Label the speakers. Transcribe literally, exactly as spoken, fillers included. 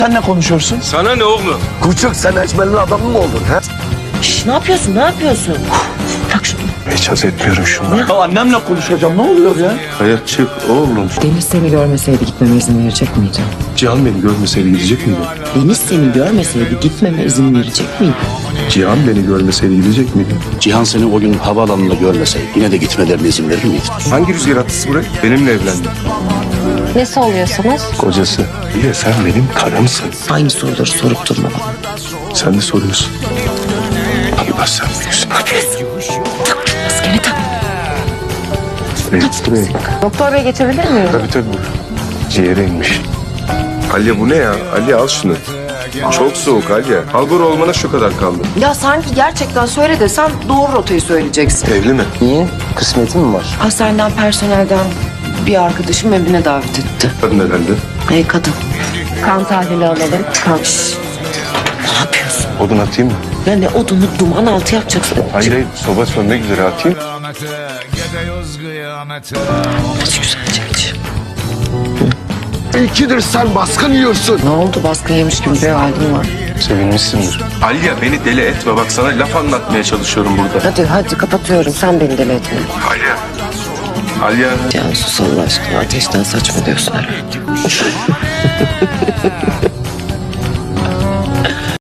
Speaker 1: Sen ne konuşuyorsun?
Speaker 2: Sana ne oğlum?
Speaker 1: Küçük sen eşmelin adamı mı oldun ha?
Speaker 3: Şş, ne yapıyorsun? Ne yapıyorsun? Bırak şunu.
Speaker 2: Hiç etmiyorum şunu.
Speaker 1: Ya annemle konuşacağım ne oluyor ya?
Speaker 2: Hayat çık oğlum.
Speaker 4: Deniz seni görmeseydi gitmeme izin verecek miydi?
Speaker 2: Cihan beni görmeseydi gidecek miydi?
Speaker 4: Deniz seni görmeseydi gitmeme izin verecek miydi?
Speaker 2: Cihan beni görmeseydi gidecek miydi?
Speaker 5: Cihan seni o gün havaalanında görmeseydi yine de gitmelerine izin verir miydi?
Speaker 2: Hangi rüzgar attısı buraya? Benimle evlendi.
Speaker 6: Nesi oluyorsunuz?
Speaker 2: Kocası. Bir de sen benim karımsın.
Speaker 4: Aynı soruları sorup durma bana.
Speaker 2: Sen de soruyorsun. Allah sen büyüksün.
Speaker 4: Maskeni tak.
Speaker 2: Buraya.
Speaker 6: Doktor bey geçebilir miyim?
Speaker 2: Tabii tabii. Ciğere inmiş. Alya bu ne ya? Alya al şunu. Çok soğuk Alya. Halbur olmana şu kadar kaldı.
Speaker 3: Ya sanki gerçekten söyle desem doğru rotayı söyleyeceksin.
Speaker 2: Evli mi?
Speaker 1: Niye? Kısmeti mi var?
Speaker 3: Hastaneden personelden bir arkadaşım evine davet etti.
Speaker 2: Kadın herhalde.
Speaker 3: Hey kadın.
Speaker 6: Kan tahlili alalım.
Speaker 3: Kalk. Şş. Ne yapıyorsun?
Speaker 2: Odun atayım mı?
Speaker 3: Ya ne odunu duman altı yapacaksın.
Speaker 2: Hayır hayır. Soba sönmek üzere atayım.
Speaker 3: Aç güzelce aç.
Speaker 1: İkidir sen baskın yiyorsun.
Speaker 3: Ne oldu baskın yemiş gibi bir halin var.
Speaker 2: Sevinmişsindir. Alya beni deli etme. Bak sana laf anlatmaya çalışıyorum burada.
Speaker 3: Hadi hadi kapatıyorum sen beni deli etme.
Speaker 2: Alya. Alya.
Speaker 3: Cansu Allah aşkına ateşten saçmalıyorsun herhalde.